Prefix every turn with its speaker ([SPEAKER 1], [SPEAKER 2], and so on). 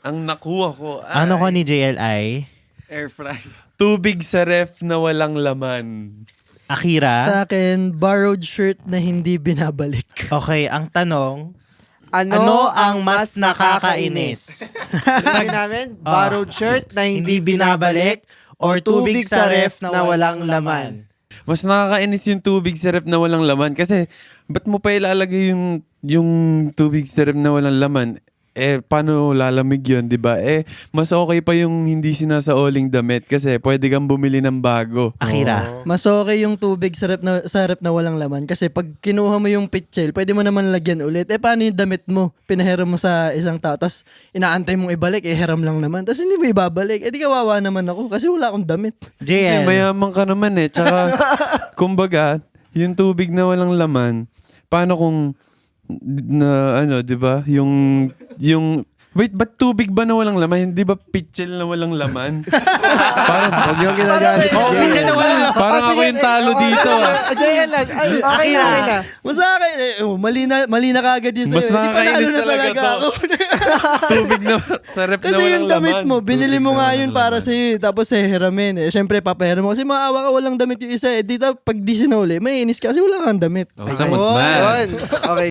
[SPEAKER 1] Ang nakuha ko
[SPEAKER 2] Ano ko ni JLI?
[SPEAKER 3] Air fry.
[SPEAKER 1] tubig sa ref na walang laman.
[SPEAKER 2] Akira?
[SPEAKER 4] Sa akin, borrowed shirt na hindi binabalik.
[SPEAKER 2] Okay, ang tanong,
[SPEAKER 5] Ano ang mas nakakainis? Sabi namin, borrowed shirt na hindi binabalik or tubig sa ref na walang laman.
[SPEAKER 1] Mas nakakainis yung tubig sa ref na walang laman. Kasi, ba't mo pa ilalagay yung tubig sa ref na walang laman? Paano lalamig yun, di ba? Mas okay pa yung hindi sinasaoling damit kasi pwede kang bumili ng bago.
[SPEAKER 2] Akira?
[SPEAKER 4] Mas okay yung tubig sa rep na walang laman. Kasi pag kinuha mo yung pitchel, pwede mo naman lagyan ulit. Paano yung damit mo? Pinahiram mo sa isang tao. Tapos inaantay mong ibalik, hiram lang naman. Tapos hindi mo ibabalik. Di kawawa naman ako kasi wala akong damit.
[SPEAKER 2] JL?
[SPEAKER 1] Mayaman ka naman Tsaka, kumbaga, yung tubig na walang laman, paano kung di ba? Wait, ba't tubig ba na walang laman? Hindi ba pitchel na walang laman? Parang,
[SPEAKER 5] Huwag yung ginagalit.
[SPEAKER 2] pitchel na walang laman.
[SPEAKER 1] parang ako yung talo dito.
[SPEAKER 5] JL lang. Ay, okay na.
[SPEAKER 4] Mas sa akin, mali na kagad yun sa'yo.
[SPEAKER 1] Mas
[SPEAKER 4] Di panalo
[SPEAKER 1] nakakainis
[SPEAKER 4] na
[SPEAKER 1] talaga
[SPEAKER 4] talaga
[SPEAKER 1] to.
[SPEAKER 4] ako.
[SPEAKER 1] Tubig na sa ref na
[SPEAKER 4] Kasi
[SPEAKER 1] walang
[SPEAKER 4] yung damit
[SPEAKER 1] laman.
[SPEAKER 4] mo, binili
[SPEAKER 1] Tubig
[SPEAKER 4] mo
[SPEAKER 1] na
[SPEAKER 4] nga
[SPEAKER 1] walang
[SPEAKER 4] yun para
[SPEAKER 1] laman.
[SPEAKER 4] sa'yo. Tapos hiramin. Siyempre, papahiram mo. Kasi maawa ka, walang damit yung isa. Dito, pag di sinuli, may inis ka kasi wala kang damit.
[SPEAKER 1] Oh, someone's mad.
[SPEAKER 5] Yun. Okay.